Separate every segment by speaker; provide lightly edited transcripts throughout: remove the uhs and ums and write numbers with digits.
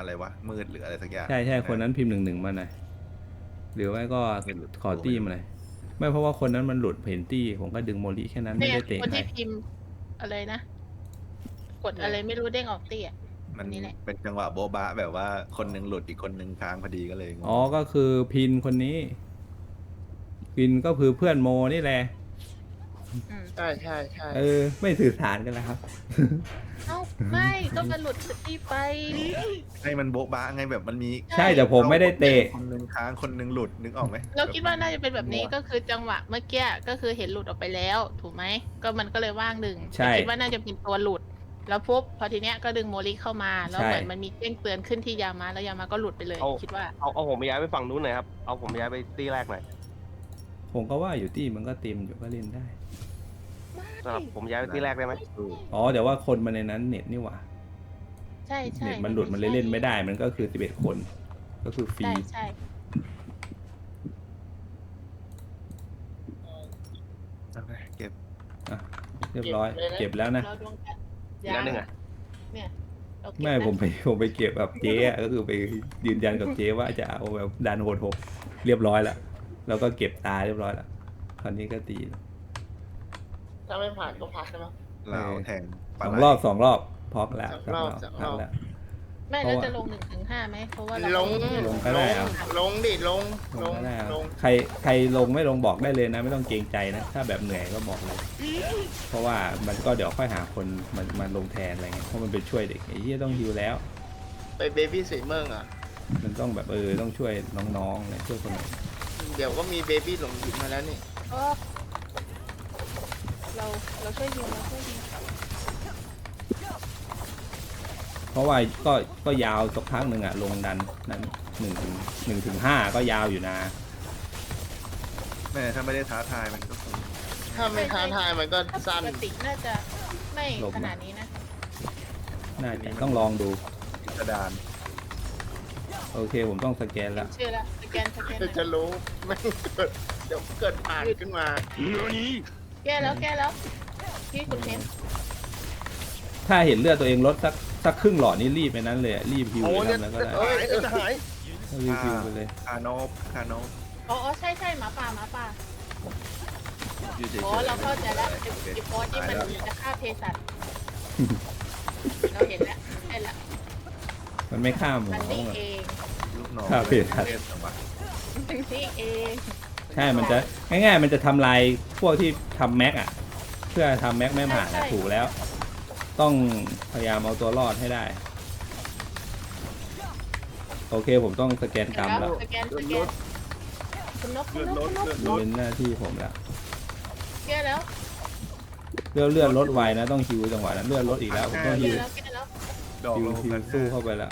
Speaker 1: อะไรวะมืดหรืออะไรสักอย่าง
Speaker 2: ใช่คนนั้นพิมพ์11มาหน่อยหรือไม่ก็ขอตี้มาหน่อยไม่เพราะว่าคนนั้นมันหลุดเห็นตี้ผมก็ดึงโมลิแค่นั้นไม่ได้เตะ
Speaker 3: คน
Speaker 2: ใคร
Speaker 3: ที่พิมพ์อะไรนะกดอะไรไม่รู้เด้งออกตี้อ่ะ
Speaker 1: มัน
Speaker 3: นี่แหละ
Speaker 1: เป็นจังหวะโบ๊ะบะแบบว่าคนหนึงหลุดอีกคนหนึงค้างพอดีก็เลยงง
Speaker 2: อ๋อก็คือพินคนนี้พินก็คือเพื่อนโมนี่แหละ
Speaker 4: ใช่
Speaker 2: ไม่สื่อสารกันแล้วครับ
Speaker 3: เอ้าไม่ก็มันหลุดตี้ไป
Speaker 1: ให้มันโบ๊ะบะไงแบบมันมี
Speaker 2: ใช่แต่ผมไม่ได้เตะ
Speaker 1: คนหนึงค้างคนหนึงหลุดนึกออกไหม
Speaker 3: เราคิดว่าน่าจะเป็นแบบนี้ก็คือจังหวะเมื่อกี้ก็คือเห็นหลุดออกไปแล้ว ถูกไหมก็มันก็เลยว่างหนึ่ง
Speaker 2: ใช่
Speaker 3: คิดว่าน่าจะเป็นตัวหลุด แล้วปุ๊บพอทีเนี้ยก็ดึงโมลิเข้ามาแล้ว
Speaker 2: ใช่
Speaker 3: เหมือนมันมีแจ้งเตือนขึ้นที่ยามาแล้วยามาก็หลุดไปเลย คิดว่า
Speaker 5: เอาผมไปย้ายไปฝั่งนู้นหน่อยครับเอาผมย้ายไปตีแรกหน่อย
Speaker 2: ผมก็ว่าอยู่ตี้มันก็เต็มอยู่ก็เล่นได้
Speaker 5: สำหรับผมย้ายไปตีแรกได้ไหม
Speaker 2: อ๋อแต่ว่าคนมาในนั้นเน็ตนี่หว่า
Speaker 3: ใช่
Speaker 2: เน็ตมันหลุดมันเลยเล่นไม่ได้มันก็คือ11คนก็คือฟรี
Speaker 3: ใช่
Speaker 1: เอาไปเก็บ
Speaker 2: เรียบร้อยเก็บแล้วนะ
Speaker 3: เราดวงกัน
Speaker 5: อีกอันหนึ่งอ่ะ
Speaker 3: เนี่ยเราเก็บ
Speaker 2: ไม่
Speaker 3: นะ
Speaker 2: ผมไปเก็บแบบเจ๊อะก็คือไปยืนยันกับเจ๊ว่าจะเอาแบบดันโหดหกเรียบร้อยแล้วแล้วก็เก็บตาเรียบร้อยแล้วคราวนี้ก็ตี
Speaker 4: ถ้าไม่ผ่านก็พักใช่ไหม
Speaker 1: เราแทงปลา
Speaker 2: สอง
Speaker 1: ไหล
Speaker 2: รอบพอกแล้ว
Speaker 4: สองรอบ
Speaker 2: พักแล้ว
Speaker 3: ไม่แล้วจะลง1 ถึง 5ไหมเพราะว่าเรา
Speaker 4: ลง
Speaker 2: ลงก็ได้เอา
Speaker 4: ลงดิลง
Speaker 2: ลงก็ได้เอา
Speaker 4: ลง
Speaker 2: ใครลงไม่ลงบอกได้เลยนะ ไม่ต้องเกรงใจนะ ถ้าแบบเหนื่อยก็บอกเลย เพราะว่ามันก็เดี๋ยวค่อยหาคนมันลงแทนอะไรเงี้ยเพราะมันเป็นช่วยเด็กไอ้ที่ต้องฮิวแล้ว
Speaker 4: ไปเบบี้สีเมืองอ่ะ
Speaker 2: มันต้องแบบต้องช่วยน้องๆเลยช่วยคนอื่น
Speaker 4: เดี๋ยวก็มีเบบี้หลงหยิบมาแล้วนี่
Speaker 3: เออเราช่วยยิงเราช่วยยิง
Speaker 2: เพราะว่าก็ยาวสักพักหนึ่งอะลงดันนั้น1 ถึง 5ก็ยาวอยู่นะ
Speaker 1: แม่ถ้าไม่ได้ท้าทายมันก็คง
Speaker 4: ถ้าไม่ท้าทายมันก็
Speaker 3: ถ้า
Speaker 4: สั้น
Speaker 3: ปกติน่าจะไม่
Speaker 2: หลบ
Speaker 3: ข
Speaker 2: นะ
Speaker 3: นาดนี้นะ
Speaker 2: น่าจะต้องลองดู
Speaker 1: กระดาน
Speaker 2: โอเคผมต้องสแกนละ
Speaker 3: เชื่อละสแกน
Speaker 4: จะรู้ไม่เกิดเดี๋ยวเกิดผ่านขึ้นมา
Speaker 3: แก้แล้วพี่คุณเทน
Speaker 2: ถ้าเห็นเลือดตัวเองลดสักครึ่งหลอดนี่รีบไปนั้นเลยอะรีบฮิว
Speaker 5: โอ้
Speaker 2: ไป
Speaker 5: เนี่ย
Speaker 2: ทำแล้วก็ได้
Speaker 5: หายจะหาย
Speaker 2: รีบฮิวไปเลย
Speaker 1: คาโนบ
Speaker 3: อ๋อใช่หมาป่า
Speaker 1: อยู่เฉยๆ
Speaker 3: อ๋อเราเข้าใจแล้ว
Speaker 1: โอเค
Speaker 3: ไอ้บอสที่มันจะฆ่าเภสัชเราเห็นแล้วใช่ละ
Speaker 2: มันไม่ข้ามหม
Speaker 3: มัน
Speaker 2: อ
Speaker 3: นี่เอง
Speaker 1: ลูกน้อง
Speaker 2: ครับเพจครับ
Speaker 1: จังหวะ
Speaker 3: มันนี่เอง
Speaker 2: ใช่มันจะง่ายๆมันจะทำลายพวกที่ทำแม็กอะเพื่อทำแม็กไม่ผ่านอะถูกแล้ว ต้องพยายามเอาตัวรอดให้ได้ โอเคผมต้องสแกนกรรมแล้ว
Speaker 3: สแกนคุณนก
Speaker 2: เป็นหน้าที่ผมแล้ว
Speaker 3: แก้แล้ว
Speaker 2: เลือดลดไวนะต้องฮิวจังหวะนั้นเลือดลดอีกแล้วผมต้องฮิว
Speaker 3: แก้แล้ว
Speaker 1: ดอก
Speaker 2: ฮิว
Speaker 1: โล
Speaker 2: ฮิว
Speaker 1: กัน
Speaker 2: สู้เข้าไปแล้ว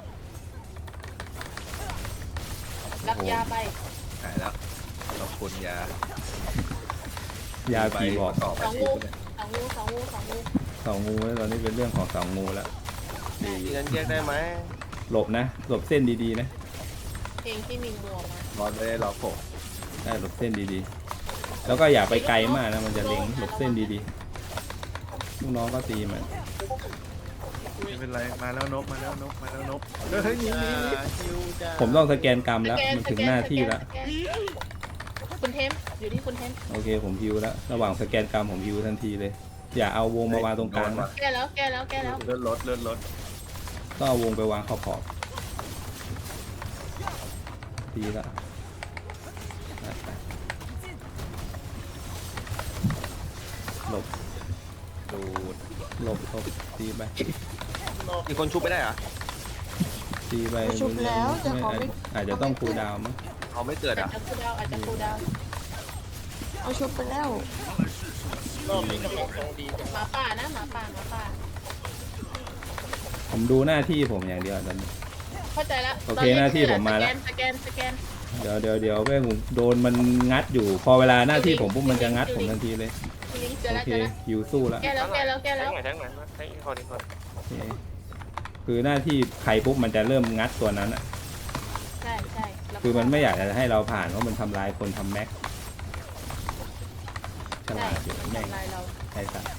Speaker 3: รับยาไป
Speaker 1: หายแล้วขอบคุณยาย
Speaker 2: าผีบอก
Speaker 1: ต่อไป
Speaker 3: สองงู
Speaker 2: เสางูแล้วตอนนี้เป็นเรื่องของเสางูแล้ว
Speaker 5: ตีกันแยกได้ไหม
Speaker 2: หลบนะหลบเส้นดีๆนะ
Speaker 3: เพลงที่มีงัวมา
Speaker 1: บอลไม่ได้รอผม
Speaker 2: ได้หลบเส้นดีๆ แล้วก็อย่าไปไกลมากนะมันจะเล็งหลบเส้นดีๆลูกน้องก็ตีมัน
Speaker 1: ไม่เป็นไรมาแล้วนกเฮ้ยนี่
Speaker 4: ฮิวจะ
Speaker 2: ผมต้องสแกนกรรมแล้วมันถึงหน้าที่แล้ว
Speaker 3: คุณเทมอยู่ที่คุณเทม
Speaker 2: โอเคผมฮิวแล้วระหว่างสแกนกรรมผมฮิวทันทีเลย อย่าเอาวงมาวางตรงกลางนะ
Speaker 3: แก้แล้ว
Speaker 1: เลื่อนรถ
Speaker 2: ก็เอาวงไปวางขอบดีละหลบ
Speaker 1: ดูด
Speaker 2: หลบตีไป
Speaker 5: มีคนชุบไม่ได้เหรอ
Speaker 2: ตีไป
Speaker 6: ชุบแล้วแต่เขาไม่
Speaker 2: อาจจะต้องคูลดาวน์มั้ง
Speaker 5: เขาไม่เกิด
Speaker 3: อาจ
Speaker 5: อ่ะ
Speaker 3: จะคูลดาว
Speaker 6: เอาชุบไปแล้ว
Speaker 4: รอบนี้กำลังตรงดีจัง
Speaker 3: หมาป่านะหมาป่า
Speaker 2: ผมดูหน้าที่ผมอย่างเดียวตอนนี้
Speaker 3: เข้าใจแล้ว
Speaker 2: โอเคหน้าที่ผมมาแล้ว
Speaker 3: สแกน
Speaker 2: เดี๋ยวแม่งโดนมันงัดอยู่ พอเวลาหน้าที่ผมปุ๊บมันจะงัดผมทันทีเลย
Speaker 3: ลิงเจอ
Speaker 2: โอ
Speaker 3: แล้ว
Speaker 2: เคฮิวสู้แล้ว
Speaker 3: แก้แล้ว
Speaker 5: แทงหน่อยแทงหน่อยแทงอีกคน
Speaker 2: โอเคคือหน้าที่ใครปุ๊บมันจะเริ่มงัดตัวนั้นอ่ะ
Speaker 3: ใช่
Speaker 2: คือมันไม่อยากจะให้เราผ่านเพราะมันทำลายคนทำแม็กฉลาดอยู่แม่ง
Speaker 3: ลายเรา
Speaker 2: ใช่สัส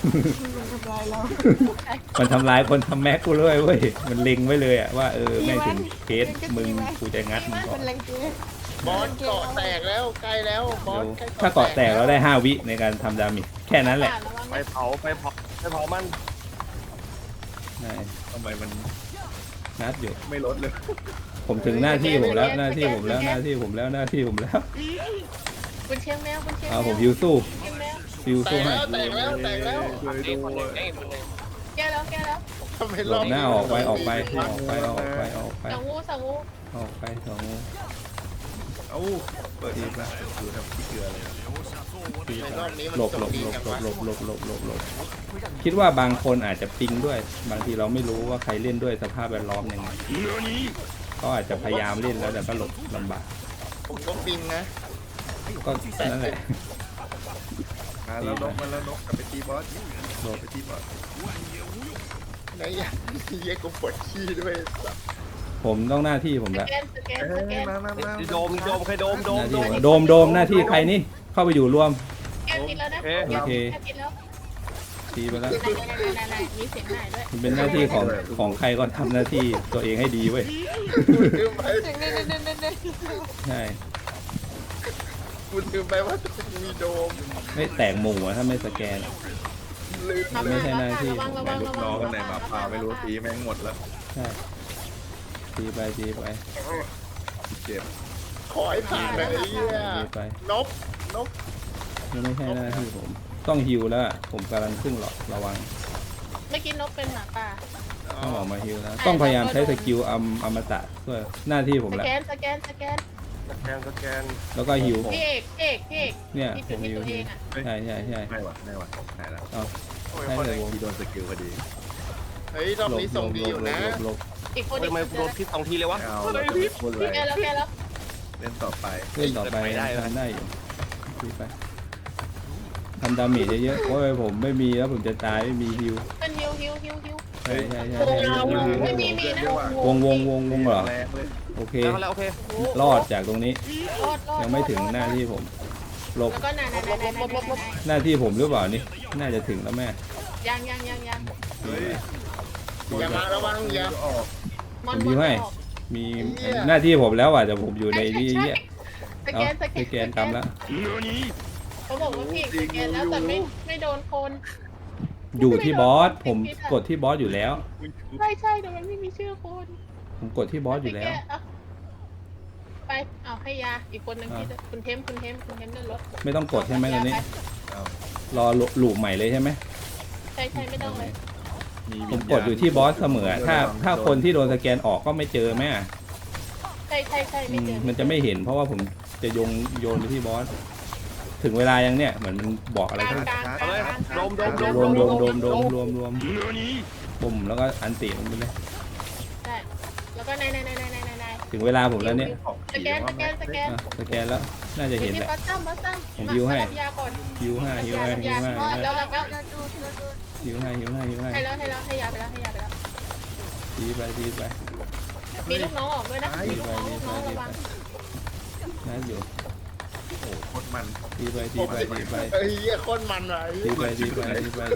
Speaker 6: มันทำลายเรา
Speaker 2: มันทำร้ายคนทำแม็กกูเลยเว้ยมันเล็งไว้เลยอะว่าแม่งถึงเคสมึงกูจะงัดมึงก่อ
Speaker 6: มัน นแรงเกย์
Speaker 4: บอสเกาะแตกแล้วใกล้แล้วบอสใกล้
Speaker 2: ถ้าเกาะแตกเราได้5 วิในการทำดาเมจแค่นั้นแหละ
Speaker 3: ระวัง
Speaker 5: ไป
Speaker 3: นะ
Speaker 5: เผามัน
Speaker 2: ใช่
Speaker 1: ทำไมมัน
Speaker 2: งัดอยู่
Speaker 1: ไม่ลดเลย
Speaker 2: ผมถึงหน้าที่ผมแล้วหน้าที่ผมแล้วหน้าที่ผมแล้วหน้าที่ผมแล้ว
Speaker 3: คุณเชียงแมวคุณเชียงแม
Speaker 2: เอา
Speaker 3: ว
Speaker 2: ผมฮิวสู้
Speaker 3: เชียงแมว
Speaker 2: ฮิว
Speaker 4: แต
Speaker 2: สู้
Speaker 4: ก
Speaker 2: ให้
Speaker 4: แล้วแตกแล้วแตกแล้ว
Speaker 1: ช่วย
Speaker 5: เอ้
Speaker 1: ด้
Speaker 5: คนหนึ่
Speaker 1: ว
Speaker 5: ง
Speaker 1: ย
Speaker 5: เอ้คนหนึ่ง
Speaker 3: แก้แล้วแก้แล้ว
Speaker 4: ทำไม
Speaker 2: หล
Speaker 4: รอ
Speaker 2: บบ หน้าออกไปออกไปออกไปออกไปออกไป
Speaker 3: สองงูสองงู
Speaker 2: ออกไปสองงู
Speaker 1: เอ้าเปิดทีมาดูทำขี้เกลือเลย
Speaker 4: ในรอบนี้มัน
Speaker 2: หลบ
Speaker 4: จ
Speaker 2: หล
Speaker 4: บบ ดี
Speaker 2: หลบ
Speaker 4: จัง
Speaker 2: หล
Speaker 4: วะ
Speaker 2: บหลบหลบหลบหลบหลบคิดว่าบางคนอาจจะปิงด้วย บางทีเราไม่รู้ว่าใครเล่นด้วยสภาพแวดล้อมยังไงก็อาจจะพยายามเล่นแล้วแต่ก็หลบลำบาก
Speaker 4: ผมก็ปิงนะ
Speaker 2: ก็นั่นแหละ
Speaker 1: มาแล้วนกมาแล้วนกกลับไปตีบอส
Speaker 2: หลบ
Speaker 1: ไปตีบอส
Speaker 4: ไหนอย่างเยี่ยกูปวดขี้ด้วยสัส
Speaker 2: ผมต้องหน้าที่ผม
Speaker 3: ส
Speaker 2: แล้ว
Speaker 3: แกนสแกน
Speaker 1: เอ้
Speaker 3: สแก
Speaker 1: ย
Speaker 3: น
Speaker 1: มา
Speaker 5: โดมใครโดม
Speaker 2: หน้าที่ผมโดมหน้าที่ใครนี่เข้าไปอยู่รวม
Speaker 3: แกนผิดแล้วนะ
Speaker 2: โอเค
Speaker 3: แกนผิดแล้ว
Speaker 2: ตีไปแล้ว
Speaker 3: ไหนมีเสียงไหนด้วย
Speaker 2: มันเป็นหน้าที่ของใครก็ทำหน้าที่ตัวเองให้ดีเว้ย
Speaker 4: กูลืมไป
Speaker 6: เด็กเด็กเด็กเด็กเด็ก
Speaker 2: ใช่
Speaker 4: กูลืมไปว่ามีโดม
Speaker 2: ไม่แตกหมู่อะถ้าไม่สแกนอะ
Speaker 4: ลืม
Speaker 2: ไม่ใช่หน้าที่
Speaker 3: ระวังระ
Speaker 1: ไหน
Speaker 3: วัง
Speaker 1: ลูกน้องกันไหนหมาป่าไม่รู้ตีแม่งหมดแล้ว
Speaker 2: ใช่ตีไปตีไป
Speaker 1: เจ็บ
Speaker 4: ขอให้ผ่านเลยไอ้เหี้ย
Speaker 2: ตีไป
Speaker 4: นบนบ
Speaker 2: มันไม่ใช่หน้าที่ผม ต้องฮิวแล้วอะผมกำลังขึ้นหรอกระวัง
Speaker 3: เมื่อกี้นกเป็นหมาป่า
Speaker 2: ต้องออกมาฮิวแล้วต้องพยายามใช้สกิลอมตะเพื่อหน้าที่ผม
Speaker 3: ส
Speaker 2: แล้ว
Speaker 3: แกนสแกน
Speaker 5: สแกน
Speaker 2: แล้วก็ฮิว
Speaker 3: พี่เอกพี่เอก
Speaker 2: เนี่ย
Speaker 3: ที่
Speaker 2: ผ
Speaker 3: จุด
Speaker 2: ม
Speaker 3: ที่
Speaker 2: ฮิว
Speaker 3: ตัวเองอ่ะ
Speaker 2: ใช่ใช่ใช่
Speaker 1: ไม่ไหวไม่ไหวไหนแล้ว
Speaker 2: เอา
Speaker 5: โอ้ย
Speaker 2: ให้
Speaker 5: คนห
Speaker 2: เล
Speaker 5: นึ่
Speaker 2: ย
Speaker 5: ง
Speaker 2: วง
Speaker 1: ที่โดนสกิลพอดี
Speaker 4: เฮ้ยรอบนี้ส่งดีอยู่นะ
Speaker 2: หลบ
Speaker 3: อีกคน
Speaker 5: ทำไมโดนพิษ2 ทีเลยวะ
Speaker 1: ไม่เอาเราจะไม่พูดอะไร
Speaker 3: แกแล้วแกแล้ว
Speaker 1: เล่นต่อไป
Speaker 2: เล่นต่อไป
Speaker 5: ได้ไหม
Speaker 2: ทำได้อยู่ตีไปทำดาเมจเยอะๆโอ้ยผมไม่มีแล้วผมจะตายไม่มีฮิว
Speaker 3: เป็นฮิว
Speaker 2: ใช่ใช่ใช่
Speaker 3: โอ้
Speaker 2: ใช่
Speaker 3: โห
Speaker 2: ฮิว
Speaker 3: ไม่มีนะ
Speaker 2: วงเหรอ
Speaker 1: แรงเลย
Speaker 2: โอเค
Speaker 5: แล้วโอเค
Speaker 2: รอดจากตรงนี้
Speaker 3: รอด
Speaker 2: ยังไม่ถึงหน้าที่ผมหลบ
Speaker 3: แล้วก็นาย
Speaker 2: หน้าที่ผมหรือเปล่านี่น่าจะถึงแล้วแม่
Speaker 3: ยัง
Speaker 1: เฮ้ย
Speaker 4: อย่ามาระวังอย่า
Speaker 1: ออก
Speaker 3: มอน
Speaker 2: มีหน้าที่ผมแล้วอ่ะแต่ผมอยู่ในนี้เยอะ
Speaker 3: ส
Speaker 2: เอา
Speaker 3: แกน
Speaker 2: สแกนกำแล้ว
Speaker 3: เขาบอกว่าพี่สแกนแล้วแต่ไม่โดนคน
Speaker 2: อยู่ที่บอสผมกดที่บอสอยู่แล้ว
Speaker 3: ใช่แต่มันไม่มีชื่อคน
Speaker 2: ผมกดที่บอสอยู่แล้ว
Speaker 3: ไปเอาให้ยาอีกคนนึงที่คุณเทมเดินรถ
Speaker 2: ไม่ต้องกดใช่ไหมตอนนี้
Speaker 1: เอา
Speaker 2: รอหลูปใหม่เลยใช่ไหม
Speaker 3: ใช่ไม่ต้องเลย
Speaker 2: ผมกดอยู่ที่บอสเสมอถ้าคนที่โดนสแกนออกก็ไม่เจอแม่
Speaker 3: ใช่ไม่เจอ
Speaker 2: มันจะไม่เห็นเพราะว่าผมจะโยนไปที่บอสถึงเวลายังเนี่ยเหมือนมันบอกอะไร
Speaker 3: กลาง
Speaker 2: ทั้ง
Speaker 5: เอาเลยโดม
Speaker 2: รวมปุ่มแล้วก็อันติมันไปเลย
Speaker 3: ใช่แล้วก็นาย
Speaker 2: ถึงเวลาผมแล้วเนี่ย
Speaker 3: สแกน
Speaker 2: อ่ะสแกนแล้วน่าจะเห็นแหละ
Speaker 3: บัสซัม
Speaker 2: ผมฮิวให้
Speaker 3: ยาก่อน
Speaker 2: ฮิวให้
Speaker 3: แล้ว
Speaker 2: ฮิวให้
Speaker 3: ให้แล้วให้ยาไปแล้ว
Speaker 2: ตีไป
Speaker 3: มีลูกน้องออกด้วยนะมีลูกน้องระวัง
Speaker 2: น่าอยู่
Speaker 1: โอ้โคตรมัน
Speaker 2: ตีไป
Speaker 4: เฮ้ยเหี้ยโคตรมันว่ะไอ้เหี้ย
Speaker 2: ตีไป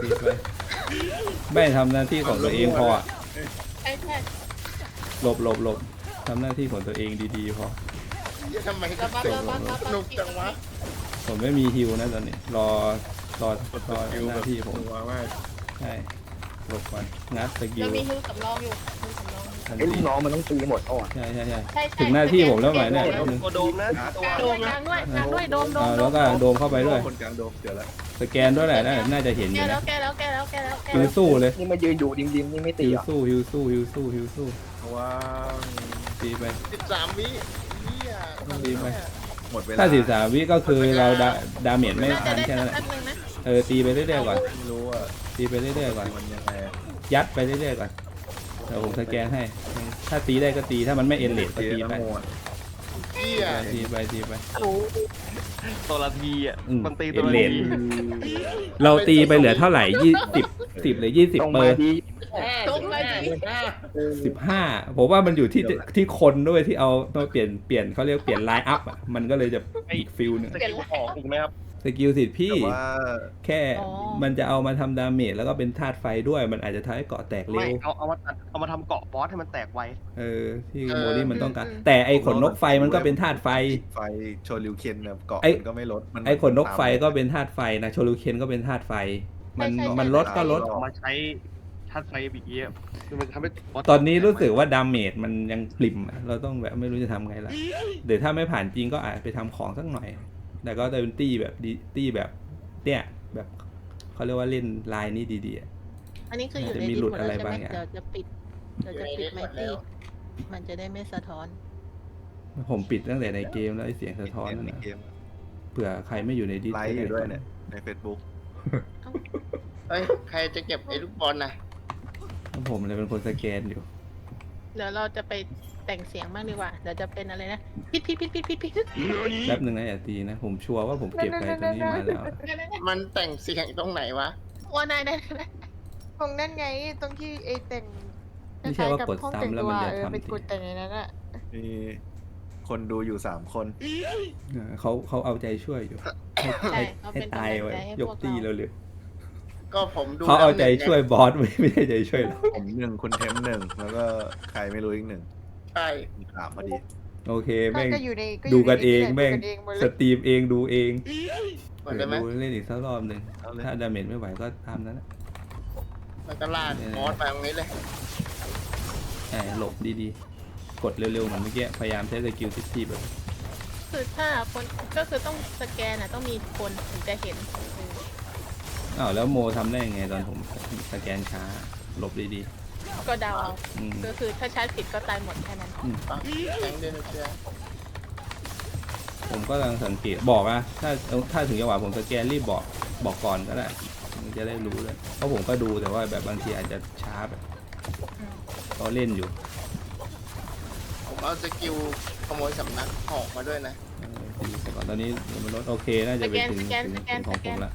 Speaker 2: ไม่ทำหน้าที่ของตัวเองพออะ
Speaker 3: ใช่
Speaker 2: หลบทำหน้าที่ของตัวเองดีๆพอ
Speaker 4: เหี้ยทำไม
Speaker 3: ระวัง
Speaker 4: สนุกจังวะ
Speaker 2: ผมไม่มีฮิวนะตอนนี้รอหน้าที่ผม
Speaker 1: ตัวมาก
Speaker 2: ใช่หลบก่อนงัดสกิล
Speaker 3: เรามีฮิวสำรองอยู่
Speaker 2: ทัน
Speaker 7: ไอ้
Speaker 2: ที
Speaker 7: ลูกน้องมันต้องตีหมดอ่อน
Speaker 2: ใช่
Speaker 3: ใช่
Speaker 2: ถึงหน้าที่ผมแล้วไหมเนี่ย
Speaker 5: ตัวโดมนะตัว
Speaker 3: กลางด้วยโดม
Speaker 2: แล้วก็โดมเข้าไปด้วย
Speaker 1: คนกลางโดมเดี๋ยวละ
Speaker 2: สแกนด้วยแหละน่าจะเห็นอ
Speaker 3: แก
Speaker 2: ยู่
Speaker 3: แล้
Speaker 2: นะ
Speaker 3: วแกแล้ว
Speaker 2: ฮิวสู้เลย
Speaker 7: นี่มายืนอยู่ดิมๆนี่ไม่ตี
Speaker 2: ฮิว
Speaker 7: อ่ะ
Speaker 2: สู้
Speaker 1: ว้าว
Speaker 2: ตีไป
Speaker 4: 13 วิเหี้ย
Speaker 2: ตีไป
Speaker 1: หมดเวลา
Speaker 2: ถ้า13 วิก็คือเราดาเมจไม่
Speaker 3: น่าจะ
Speaker 2: ทัน
Speaker 3: ได้
Speaker 2: แค่นั้นแหละ
Speaker 3: แป๊บนึงนะ
Speaker 2: ตีไปเรื่อยๆก่อน
Speaker 1: ไม่รู้อ่ะ
Speaker 2: ตีไปเรื่อยๆก่อน
Speaker 1: มันยังไง
Speaker 2: ยัดไปเรื่อยๆก่อนเดี๋ยวผมสแกนให้ ถ้าตีได้ก็ตีถ้ามันไม่เอ็นเลดก็ตีไป
Speaker 4: เหี้ย
Speaker 2: ตีไป
Speaker 5: ตัวละทีอ่ะ มันตี
Speaker 2: เอ็
Speaker 5: ตัวน ละ
Speaker 2: เลด
Speaker 5: ที
Speaker 2: เราตีไปเหลือเท่าไหร่10หรือ20
Speaker 7: ตรง
Speaker 2: เปอ
Speaker 7: มา
Speaker 2: ร์
Speaker 7: ดี
Speaker 3: ตรงมาดี
Speaker 2: 15ผมว่ามันอยู่ที่คนด้วยที่เอามาเปลี่ยนเขาเรียกเปลี่ยนไลน์อัพอ่ะมันก็เลยจะอีกฟิลหนึง
Speaker 5: สกิลออกอีกไหมครับ
Speaker 2: สกิลสิทธิ์พี่
Speaker 1: แต่ว่า
Speaker 2: แค่มันจะเอามาทำดาเมจแล้วก็เป็นธาตุไฟด้วยมันอาจจะทำให้เกาะแตกเร็
Speaker 5: ไม่
Speaker 2: ว
Speaker 5: เอามาทำเกาะบอสให้มันแตกไว
Speaker 2: ที่โมลี่มันต้องการแต่ไอขนนกไฟมันก็เป็นธาตุไฟ
Speaker 1: ไฟโชลิวเคนเนี่ยเกาะ
Speaker 2: ไอ้
Speaker 1: มันก็ไม่ลดมัน
Speaker 2: ไอขนนกไฟก็เป็นธาตุไฟนะโชลูเคนก็เป็นธาตุไฟมันลดก็ลด
Speaker 5: เอามาใช้ธาตุไฟบีเอฟคือมันทำให้บส
Speaker 2: ตอนนี้รู้สึกว่าดาเมจมันยังปริ่มอะเราต้องแบบไม่รู้จะทำไงละเดี๋ยวถ้าไม่ผ่านจริงก็อาจไปทำของสักหน่อย แต่ก็จะเป็นตี้แบบตี้แบบเนี่ยแบบเขาเรียกว่าเล่นลายนี้ดีๆอะ
Speaker 3: อันนี้คืออยู่ใน
Speaker 2: จะมี
Speaker 3: ดิส
Speaker 2: หลุด
Speaker 3: หมด
Speaker 2: อะไร
Speaker 3: แล้วใช่ไหม
Speaker 2: บางอย่าง
Speaker 3: เดี๋ยวจะปิดไมตี้มันจะได้ไม่สะท้อน
Speaker 2: ผมปิดตั้งแต่ในเกมแล้วไอเสียงสะท้อนนั่น
Speaker 1: ใน
Speaker 2: นะ
Speaker 1: เกม
Speaker 2: เผื่อใครไม่อยู่ในดิส
Speaker 1: ไลฟ์อยู่ด้วยเนี่ยใน Facebook
Speaker 4: เฮ้ยใครจะเก็บไอ้ลูกบอลนะ
Speaker 2: ผมเลยเป็นคนสแกนอยู่
Speaker 3: เดี๋ยวเราจะไปแต่งเสียงบ้างดีกว่าเดี๋ยวจะเป็นอะไรนะพิษ
Speaker 2: แป๊บหนึ่งนะอย่าตีนะ ผมชัวร์ว่าผมเก็บอะไรตัวนี้มาแล้ว
Speaker 4: มันแต่งเสียงตรงไหนวะ
Speaker 3: โอ้นายได้
Speaker 6: ตรงนั่นไงตรงที่ไอ้แต่ง
Speaker 2: ไม่ใช่ว่ากด
Speaker 6: ห้อง
Speaker 2: ซ้ำแล้วมันจะ
Speaker 6: ไป
Speaker 2: ทำ
Speaker 6: กดแต่งในนั้นอะ
Speaker 1: มีคนดูอยู่3 คน
Speaker 2: เขาเอาใจช่วยอยู่
Speaker 3: ใช่เขา
Speaker 2: ให้
Speaker 3: เป็น
Speaker 2: ตาย
Speaker 3: กำลัง
Speaker 2: ไว้
Speaker 3: ใจให้
Speaker 2: ย
Speaker 3: พ
Speaker 2: ก
Speaker 3: วก
Speaker 2: ตี
Speaker 3: เรา
Speaker 2: เร็ว
Speaker 4: ก็ผมดู
Speaker 2: ๆเขาเอาใจช่วยบอสไม่ใช่ใจช่วยเรา
Speaker 1: ผม1คุณเทม1แล้วก็ใครไม่รู้อีก1
Speaker 4: ใช่
Speaker 1: มี3พอดี
Speaker 2: โอเคแม่ง
Speaker 6: ก็อยู่ใน
Speaker 2: ดูกันเอง
Speaker 6: ใน
Speaker 2: แม่ง
Speaker 6: ดูกันเองหมดเล
Speaker 2: ส
Speaker 6: ย
Speaker 2: ตรีมเองดูเอง
Speaker 4: หมดได้ไหม
Speaker 2: ดูเล่นอีกสักรอบหนึ่ง
Speaker 1: เอาเลย
Speaker 2: ถ้าดาเมจไม่ไหวก็ตามนั้นนะ
Speaker 4: มันก็ลากมอสไปตรงนี้เลย
Speaker 2: หลบดีๆ กดเร็วๆเหมือนเมื่อกี้พยายามใช้สกิลที่แบบ
Speaker 3: คือถ้าคนก็คือต้องสแกนต้องมีคนถึงจะเห็น
Speaker 2: อ้าวแล้วโมทำได้ยังไงตอนผมสแกนช้าหลบดี
Speaker 3: ก็เดาเอา
Speaker 2: ๆอืม
Speaker 3: ก็คือถ้าชาร์จผิดก็ตายหมดแค่นั้น
Speaker 4: ปะแทงเดนเชีย
Speaker 2: ผมก็กำลังสังเกตบอกนะถ้าถึงจังหวะผมสแกนรีบบอกก่อนก็ได้มันจะได้รู้เลยเพราะผมก็ดูแต่ว่าแบบบางทีอาจจะช้าแบบเขาเล่นอยู่
Speaker 4: ผมเอาสกิลขโมยสำนักออกมาด้วยนะ
Speaker 2: ดูก่อนตอนนี้มันลดโอเคน่าจะไปถึงของผมละ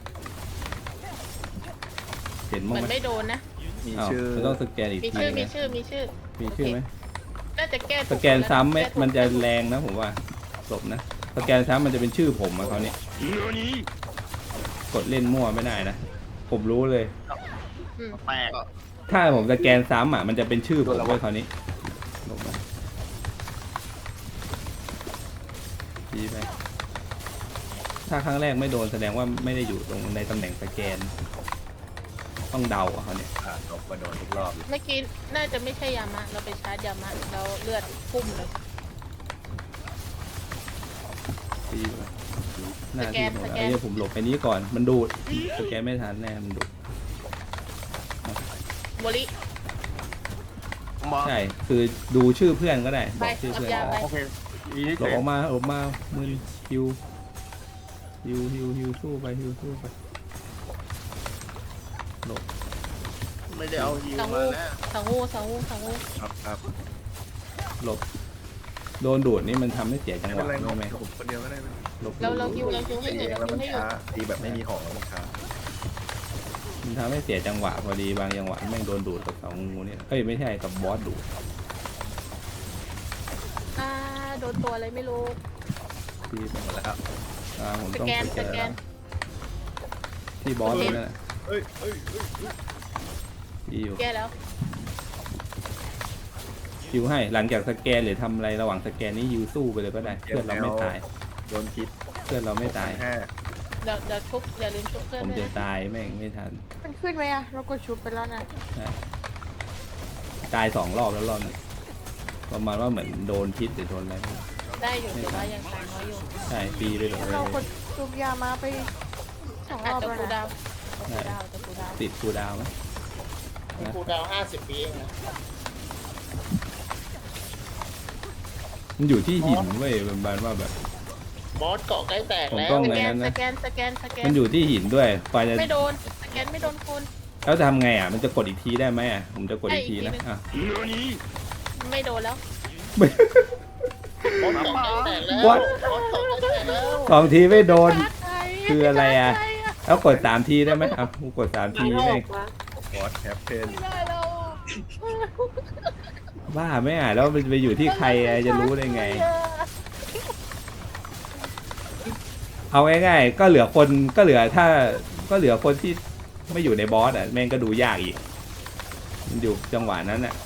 Speaker 2: เห็น
Speaker 3: เห
Speaker 2: มั้
Speaker 3: มื
Speaker 2: ง
Speaker 3: อน
Speaker 2: ไหม
Speaker 3: ไม่โดนนะ
Speaker 1: มี
Speaker 2: อ้าว
Speaker 1: ชื่อ
Speaker 2: มันต้องสแกนอีก
Speaker 3: มี
Speaker 2: ที
Speaker 3: ชื่อ
Speaker 2: นะ
Speaker 3: มีชื่อ
Speaker 2: มีชื่อไหม
Speaker 3: น่าจะแก้
Speaker 2: สแกนซ้ำไหมมันจะแรงนะผมว่าจบนะสแกนซ้ำมันจะเป็นชื่อผมอะเขาเนี่ยกดเล่นมั่วไม่ได้นะผมรู้เลย
Speaker 5: แตก
Speaker 2: ถ้าผมสแกนซ้ำอ่ะมันจะเป็นชื่อผมไว้คราวนี้ลงมาดีไปถ้าครั้งแรกไม่โดนแสดงว่าไม่ได้อยู่ตรงในตำแหน่งสแกน ต้องเดาอ่ะเขาเนี่ย
Speaker 1: ตบมาโดนทุกรอบเลย
Speaker 3: เมื่อกี้น่าจะไม่ใช่ยามะเราไปชาร์จยามะแล้วเลือดพุ่มเลย
Speaker 2: ดีไปหน้าที่ผมไอ้เนี่ยผมหลบไปนี้ก่อนมันดูดสแกนไม่ทันแน่มันดูด
Speaker 3: โมลิ
Speaker 5: มา
Speaker 2: ใช่คือดูชื่อเพื่อนก็ได้บ
Speaker 3: ไป
Speaker 2: อกชื่อ
Speaker 3: รับ
Speaker 2: เพื่อน
Speaker 3: ยา
Speaker 2: ก็
Speaker 3: ไป
Speaker 2: ได้
Speaker 5: โอเคอีนี่
Speaker 2: หลบออกมามือฮิวสู้ไปหลบ
Speaker 4: ไม่ได้เอาฮิว
Speaker 3: สัง
Speaker 4: มา
Speaker 3: วู
Speaker 4: นะ
Speaker 3: สังวู
Speaker 1: ครับ
Speaker 2: หลบโดนดูดนี่มันทำให้เสียจัง
Speaker 1: ไม่
Speaker 2: ห
Speaker 1: เป็น
Speaker 2: วะ
Speaker 1: ไรน
Speaker 2: ใช่ไหม
Speaker 1: ผมคนเดียวก็ได้
Speaker 2: หลบ
Speaker 3: เราฮิวให้อยู่
Speaker 1: แล้ว
Speaker 3: เรา
Speaker 1: มัน
Speaker 3: ฮิวให้อยู่
Speaker 1: ช้าตีแบบไม่มีของแล้วมันช้า
Speaker 2: มันทำให้เสียจังหวะพอดีบางจังหวะแม่งโดนดูดกับเสางูเนี่ยเอ้ยไม่ใช่กับบอสดูด
Speaker 3: โดนตัวอะไรไม่รู้
Speaker 2: ที่ไป
Speaker 1: หมดแล้ว
Speaker 2: ผม
Speaker 3: ส
Speaker 2: ต้อง
Speaker 3: แกน
Speaker 2: ส
Speaker 3: ส
Speaker 2: แกน
Speaker 3: แกน
Speaker 2: ที่บอสนั่นแหละ
Speaker 1: เอ้ย
Speaker 2: ที่อยู่
Speaker 3: แก้แล้ว
Speaker 2: ฮิวให้หลังจากสแกนหรือทำอะไรระหว่างสแกนนี่ฮิวสู้ไปเลยก็ได้เพื่อนเราไม่ตาย
Speaker 1: โดนพิษ
Speaker 2: เพื่อนเราไม่ตาย
Speaker 1: แค่
Speaker 3: เดี๋ยวชุบอย่าลืมชุบเพื่อน
Speaker 2: ผม
Speaker 3: ด้วย
Speaker 2: จะ
Speaker 3: นะ
Speaker 2: ตายแม่งไม่ทัน
Speaker 6: มันขึ้นไหมอะเรากดชุบไปแล้วนะ
Speaker 2: ตาย2 รอบแล้วรอบนึงประมาณว่าเหมือนโดนพิษหรือโดนอะไรไม่รู้
Speaker 3: ได้อยู่แต่ว่ายังตายน้อยอยู่
Speaker 2: ใช่ปีไปเลย
Speaker 6: เรากดชุบยามาไป2 ร
Speaker 3: อาจ
Speaker 6: อบ
Speaker 3: จะ
Speaker 6: แล้ว
Speaker 3: คู
Speaker 6: นะ
Speaker 3: ดาวจะคูดาว
Speaker 2: ติดคูลดาวน์ไหม
Speaker 4: ครูดาว50 ปีเองนะ
Speaker 2: มันอยู่ที่หินเว้ยประมาณว่าแบบ
Speaker 4: บอสเกาะใกล้แตก
Speaker 2: ผม
Speaker 4: แล้ว
Speaker 2: ต้อง
Speaker 3: ส
Speaker 2: ไง
Speaker 3: แกน
Speaker 2: นั้น
Speaker 3: ส
Speaker 2: นะ
Speaker 3: แกนสแกนสแกน
Speaker 2: มันอยู่ที่หินด้วยกว่าจะ
Speaker 3: ไม่โดนสแกนไม่โดนคุณ
Speaker 2: แล้วทำไงอ่ะมันจะกดอีกทีได้ไหมอ่ะผมจะกดอีกทีนะอ่ะ
Speaker 3: ไม่โดนแล้ว
Speaker 4: บอสเกาะใกล้แตกแล้ว
Speaker 2: What?
Speaker 4: บอสเกาะใกล้แตกแล้ว
Speaker 2: 2 ทีไม่โดน
Speaker 3: ใคร
Speaker 2: คืออะไรอ่ะ แล้วกด3 ทีได้ไหมอ่ะกูกด3 ทีแม่ง
Speaker 1: บอสแคปเพน
Speaker 3: ไม่ได้แล้ว
Speaker 2: บ้าไม่อ่ะแล้วมันไปอยู่ที่ใครอ่ะจะรู้ได้ไง
Speaker 3: เ
Speaker 2: เอาง่ายๆก็เหลือคนก็เหลือคนที่ไม่อยู่ในบอสอ่ะแม่งก็ดูยากอีกมันอยู่จังหวะนั้นอ่ะ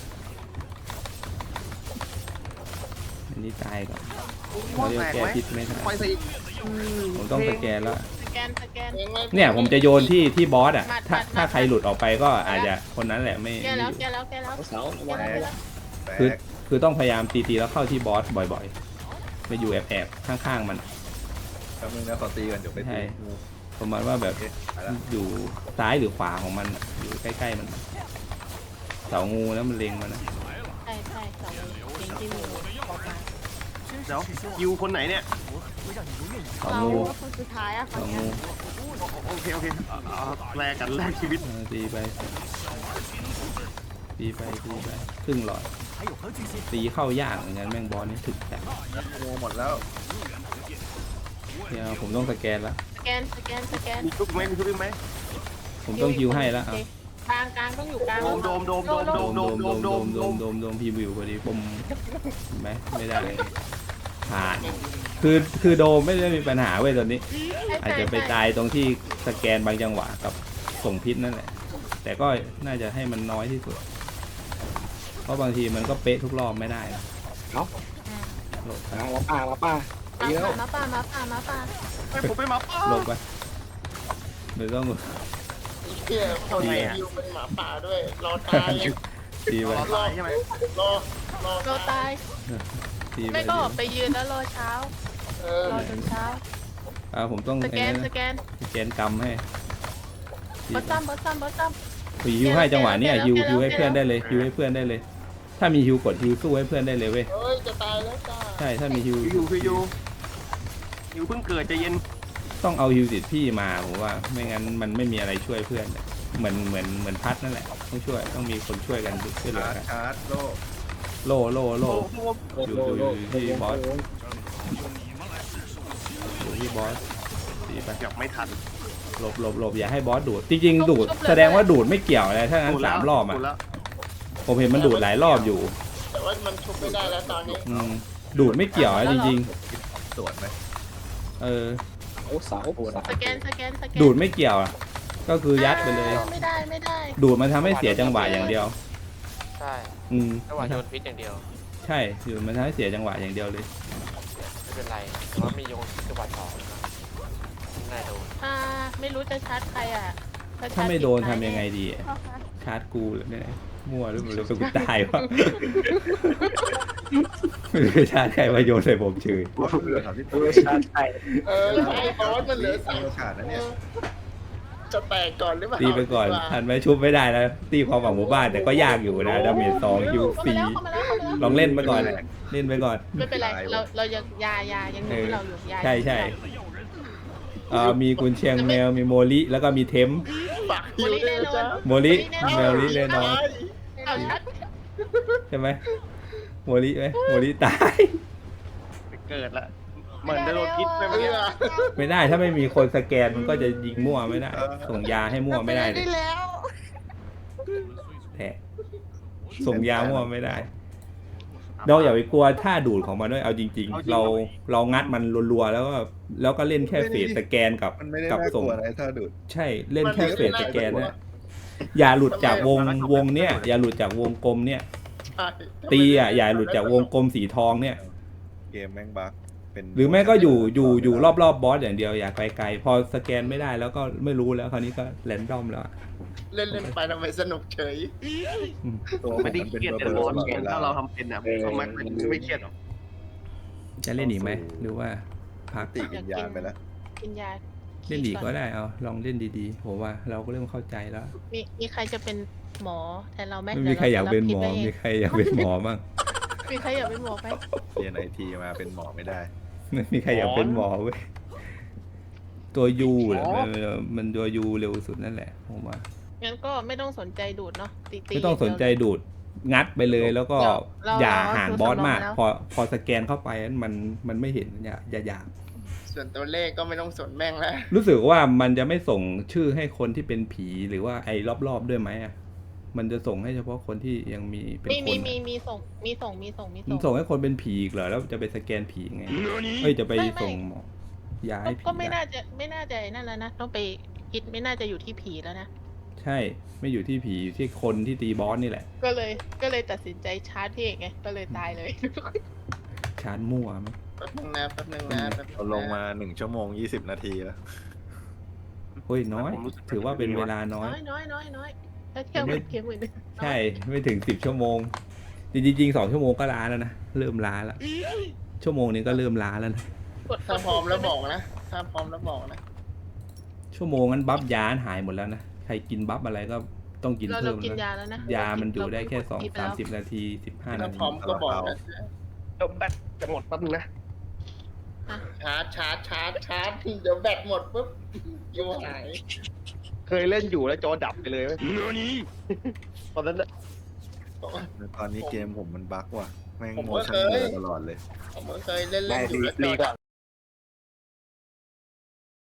Speaker 2: อันนี้ตายก่อนเราเรียกแก้พิษไม่ทัน
Speaker 5: ไฟใส่อีก
Speaker 2: ผมต้องสแกนแล้ว
Speaker 3: สแกนสแกน
Speaker 2: เนี่ยผมจะโยนที่บอสอ่ะ
Speaker 3: มัด
Speaker 2: ถ้าใครหลุดออกไปก็อาจจะคนนั้นแหละไม่
Speaker 3: แก
Speaker 2: ไม่
Speaker 3: แล้
Speaker 2: อ
Speaker 3: ว
Speaker 2: ยู่
Speaker 3: แกแล้วแกแล้ว
Speaker 7: เสา
Speaker 3: แกแล้วแกแล้ว
Speaker 1: แต
Speaker 2: คือก คือต้องพยายามตีแล้วเข้าที่บอสบ่อยๆไปอยู่แอบข้างๆมัน
Speaker 1: แป๊บนึงนะขอตีกันเดี๋ยวไป
Speaker 2: ใช่
Speaker 1: ตีงู
Speaker 2: ประมาณว่าแบบ
Speaker 1: โอเคไปละ
Speaker 2: อยู่ซ้ายหรือขวาของมันอะอยู่ใกล้ๆมันเสางูแล้วมันเล็งมันนะ
Speaker 3: ใช่ใช่สองเองที่มือออกมา
Speaker 5: เดี๋ยวคิวคนไหนเนี่ย
Speaker 2: เสา
Speaker 6: เรา
Speaker 2: งู
Speaker 6: คนสุดท้ายอะค
Speaker 2: เสาน
Speaker 6: เนี้
Speaker 2: งู
Speaker 6: ย
Speaker 5: โอเคแลกกันแลกชีวิต
Speaker 2: ตีไปครึ่งหลอดตีเข้ายากเหมือนกันแม่งบอลนี่ถึกแต่
Speaker 1: งูหมดแล้ว
Speaker 2: เนี่ยผมต้องสแกนละ
Speaker 3: สแกนสแกนสแกน
Speaker 5: มีชุบไหมมีชุบไหม
Speaker 2: ผมต้องคิวให้ละเอา
Speaker 3: กลางกลางต้องอยู่กลาง
Speaker 5: โดม
Speaker 2: โดมพีวิวพอดีผมเห็นไหมไม่ได้ผ่านคือโดมไม่ได้มีปัญหาเว้ยตอนนี้ อาจจะไปตายตรงที่สแกนบางจังหวะกับส่งพิษนั่นแหละ แต่ก็น่าจะให้มันน้อยที่สุด เพราะบางทีมันก็เป๊ะทุกรอบไม่ได้นะโหลดไป
Speaker 7: มาป้าตีแล้ว
Speaker 3: มาป่ามาป่ามาป่า
Speaker 5: ผมไปมาป้า
Speaker 2: โหลดไปหรือต้อง
Speaker 4: เที่ยเขาไหนคิวเป็นหมาป่าด้วย รอตาย
Speaker 2: ตีไป
Speaker 5: รอตายใช่ไหม
Speaker 4: รอ
Speaker 3: เราตาย
Speaker 2: ตีไป
Speaker 3: ไม่ก็ออกไปยืนแล้วรอเช้า
Speaker 4: เออ
Speaker 3: รอจนเช้า
Speaker 2: ผมต้อง
Speaker 3: สแกน
Speaker 2: ไอ้
Speaker 3: สแกน
Speaker 2: สแกนกรรมให้ตี
Speaker 3: บอส
Speaker 2: ไป
Speaker 3: ซัมบอสซัมบอสซัม
Speaker 2: ฮิวให้จังหวะเนี้ย
Speaker 3: แกะแล้ว
Speaker 2: ฮิวให้
Speaker 3: แกะแล้ว
Speaker 2: เพื่อนได้เลยฮิวให้เพื่อนได้เลย ถ้ามีฮิวกดฮิวสู้ให้เพื่อนได้เลยเว้ย
Speaker 4: เฮ้ย จะตายแล้วจ้า
Speaker 2: ใช่ถ้ามีฮิว
Speaker 5: อยู่เพิ่งเกิดใจเย็น
Speaker 2: ต้องเอาฮิวติดพี่มาผมว่าไม่งั้นมันไม่มีอะไรช่วยเพื่อนเหมือนพัดนั่นแหละต้องช่วยต้องมีคนช่วยกันช่วยเหลือ
Speaker 1: ชาร์จ
Speaker 2: กัน
Speaker 1: ชาร์จโล
Speaker 2: โล่อยู่ที่บอสอยู่ที่บอสตีไป
Speaker 5: เกือบไม่ทัน
Speaker 2: หลบอย่าให้บอสดูดจริงๆดูดแสดงว่าดูดไม่เกี่ยวอะไรถ้างั้น3 รอบอ่ะผมเห็นมันดูดหลายรอบอยู่
Speaker 4: แต่ว่ามันชุบไม่ได้แล้วตอนนี้
Speaker 2: ดูดไม่เกี่ยวนะจริง
Speaker 1: ตรวจไหม
Speaker 2: ๆ
Speaker 7: เสา
Speaker 3: สแกนสแกนสแกน
Speaker 2: ดูดไม่เกี่ยวอ่ะก็คือยัดไปเลย
Speaker 3: ไม่ได้
Speaker 2: ดูดมันทำให้เสียจังหวะอย่างเดียว
Speaker 8: ใช่
Speaker 2: จัง
Speaker 8: ระหว่างโยนพิษอย่างเดียว
Speaker 2: ใช่ดูดมันทำให้เสียจังหวะอย่างเดียวเลย
Speaker 8: ไม่เป็นไรแต่ว่ามีโยนพิษจังหวะสองน่าโดน
Speaker 3: ไม่รู้จะชาร์จใครอ่ะ
Speaker 2: ถ้าไม่โดนทำยังไงดีอะชาร์จกูหรือเนี่ยมั่วหรือเปล่ากูตายวะไม่รู้ชาร์จใครมาโยนใส่ผมเฉย
Speaker 1: ว่าเหลือ30
Speaker 7: ชาใช่
Speaker 4: เออไอ้บอสมันเหลือ
Speaker 1: มีโอกาสนะเนี่ย
Speaker 4: จะแตกก่อนหรือเปล่า
Speaker 2: ตีไปก่อนทันไหมชุบไม่ได้นะตีความหวังหมู่บ้านแต่ก็ยากอยู่นะดาเมจ2คิว
Speaker 3: เข้ามาแล้วเข้ามาแล้ว
Speaker 2: ลองเล่นไปก่อนเล่นไปก่อน
Speaker 3: ไม่เป็นไรเรายังยายังรู้เราอยู่ยา
Speaker 2: ใช่มีกุนเชียงแมวมีโมลิแล้วก็มีเทม
Speaker 4: ฝากฮิวด้วยนะจ๊ะ
Speaker 2: โมลิแมวลิแน่นอน
Speaker 3: เอาชัด
Speaker 2: ใช่ไหมโมลิไหมโมลิตาย
Speaker 5: เกิดละเหมือนจะโดนพิษไป
Speaker 4: เอ
Speaker 5: เมื่อกี้
Speaker 4: อ
Speaker 2: ไม่ได้ถ้าไม่มีคนสแกนมันก็จะยิงมั่วไม่ได้ ส่งยาให้มั่วไม่ได้เลย
Speaker 6: ได้แล้ว
Speaker 2: แท้ส่งยามั่วไม่ได้เราอย่าไปกลัวท่าดูดของมันด้วยเอาจริง ๆ เรางัดมันรัวๆแล้วก็เล่นแค่เฟสสแกนกับ
Speaker 1: มันไม่ได้
Speaker 2: กับ
Speaker 1: น่าก
Speaker 2: ส่ง
Speaker 1: ลัวอะไรถ้าดูด
Speaker 2: ใช่เล่นแค่เฟสสแกนนะอย่าหลุดจากวงเนี้ยอย่าหลุดจากวงกลมเนี่ย
Speaker 4: ใช่
Speaker 2: ตีอย่าหลุดจากวงกลมสีทองเนี่ย
Speaker 1: เกมแม่งบั๊กเป็น
Speaker 2: หรือแม่ก็อยู่รอบๆบอสอย่างเดียวอย่าไกลๆพอสแกนไม่ได้แล้วก็ไม่รู้แล้วคราวนี้ก็แรนดอมแล้ว
Speaker 4: เล่นไปทำไมสนุกเฉย
Speaker 1: ตัว
Speaker 5: ไม่ได้
Speaker 1: น
Speaker 5: เครียด
Speaker 1: ป็
Speaker 5: แต่
Speaker 1: น
Speaker 5: บอส
Speaker 1: ตลดวล
Speaker 5: ถ้าเราทำเป็นนะเขาไม่เครียดหรอก
Speaker 2: จะเล่นอีกไหมหรือว่าพัก
Speaker 1: ติวิญญาณไปแล้ว
Speaker 3: กินยา
Speaker 2: เล่นอีกก็ได้เอาลองเล่นดีๆผมว่าเราก็เริ่มเข้าใจแล้ว
Speaker 3: มีใครจะเป็นหมอแทนเราไหม
Speaker 2: ไม่มีใครอยากเป็นหมอมีใครอยากเป็นหมอบ้าง
Speaker 3: มีใครอยากเป็นหมอไหม
Speaker 1: เรียนไอทีมาเป็นหมอไม่ได้
Speaker 2: ไม่มีใครอยากเป็นหมอเว้ยตัวยูแหละมันตัวยูเร็วสุดนั่นแหละผมว่า
Speaker 3: งั้นก็ไม่ต้องสนใจดูดเนาะตี
Speaker 2: ไม่ต้องสนใจดูดงัดไปเลยแล้วก็
Speaker 3: เรา
Speaker 2: อย่าห่างบอสมาก
Speaker 3: เรา
Speaker 2: พอสแกนเข้าไปมันไม่เห็นอย่า
Speaker 4: ส่วนตัวเลขก็ไม่ต้องสนแม่งแล้ว
Speaker 2: รู้สึกว่ามันจะไม่ส่งชื่อให้คนที่เป็นผีหรือว่าไอ้รอบๆด้วยไหมอ่ะมันจะส่งให้เฉพาะคนที่ยังมีเป็นคน
Speaker 3: มีส่ง
Speaker 2: มันส่งให้คนเป็นผีอีกเหรอแล้วจะไปสแกนผีไงเอ้ยจะไปส่งหมอยาให้ผี
Speaker 3: ก็ไม่
Speaker 2: ได้
Speaker 3: น่าจะนั่นแล้วนะต้องไปคิดไม่น่าจะอยู่ที่ผีแล้วนะ
Speaker 2: ใช่ไม่อยู่ที่ผีอยู่ที่คนที่ตีบอสนี่แหละ
Speaker 3: ก็เลยตัดสินใจชาร์จพี่เอกไงก็เลยตายเลย
Speaker 2: ชาร์จมั่วมั้ย
Speaker 4: แป๊บนึงนะแป๊บนึงนะแป๊บนึงนะ
Speaker 1: เราลงมา1 ชั่วโมง 20 นาทีแล้ว
Speaker 2: โอ้ยน้อย ถือว่าเป็นเวลาน้อย
Speaker 3: น้อยถ้าเทียบกับเกมอื่น
Speaker 2: ใช่ไม่ถึง10 ชั่วโมง จริงๆ2 ชั่วโมงก็ล้าแล้วนะเริ่มล้าแล้วชั่วโมงนี้ก็เริ่มล้าแล้วนะ
Speaker 4: ถ้าพร้อมแล้วบอกนะถ้าพร้อมแล้วบอกนะ
Speaker 2: ชั่วโมงนั้นบัฟยาหายหมดแล้วนะใครกินบัฟอะไรก็ต้องกิน
Speaker 3: เรา
Speaker 2: เพิ่ม
Speaker 3: กิน
Speaker 2: นะ
Speaker 3: ยาแล้วนะ
Speaker 2: ยามันอยู่ได้แค่
Speaker 3: เรากินไปแล้ว
Speaker 2: 2-30 นาที15
Speaker 4: ถ้า
Speaker 2: นาที
Speaker 4: พร้อมก็บอกนะ
Speaker 5: เดี๋ยวแบตจะหมดแป๊บนึงนะ
Speaker 4: ชาร์จเดี๋ยวแบตหมดปุ๊บยูหาย
Speaker 5: เคยเล่นอยู่แล้วจอดับไปเลยเว้ยตอนนั้นน่ะ
Speaker 1: ตอนนี้เกมผมมันบั๊กว่ะแม่ง
Speaker 4: ผม
Speaker 1: โม
Speaker 4: ก็
Speaker 1: ชั่น
Speaker 4: เคย
Speaker 1: เบลอตลอดเลย
Speaker 4: ผมก็เคยเล่น
Speaker 5: ได้
Speaker 4: อยู่แล้ว
Speaker 5: รีก่อน